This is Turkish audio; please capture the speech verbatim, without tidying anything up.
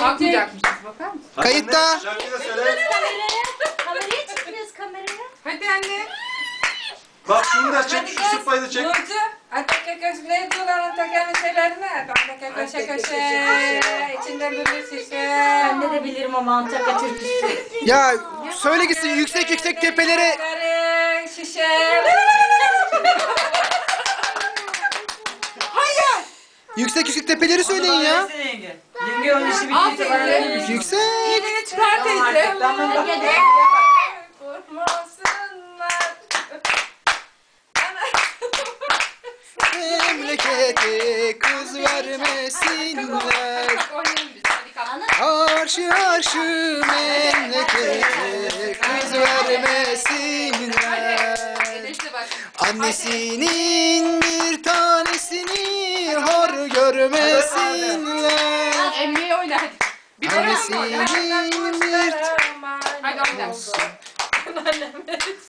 Bakmayacakmışız, bakar mısın? Kayıtta. Şarkıyı da söyle. Kameraya çıkmıyoruz kameraya. Hadi anne. Bak şunu da çek, şu sıpayı da çek. Nurcu, Ataka köşe, ne diyorlar Ataka'nın şeylerini? Ataka köşe köşe, içinde bir şişe. Ben de, de bilirim ama Antakya türküsü. Ya söyle gitsin yüksek yüksek tepelere. Şişe. Hayır. Yüksek yüksek tepeleri söyleyin ya. Yenge. Yenge onun işi Al bittiyse teyze. bana demiş. Yüksek. İğneni çıkar teyze. Gede. Vurmasınlar. Memlekete kız vermesinler. Oynayalım biz. Hadi kalk. Arşı arşı memlekete kız vermesinler. Edeşte bak. Annesinin bir tanesini hor görmesinler. Emniye oyna hadi. Bir Annesinin bir Hadi oyna.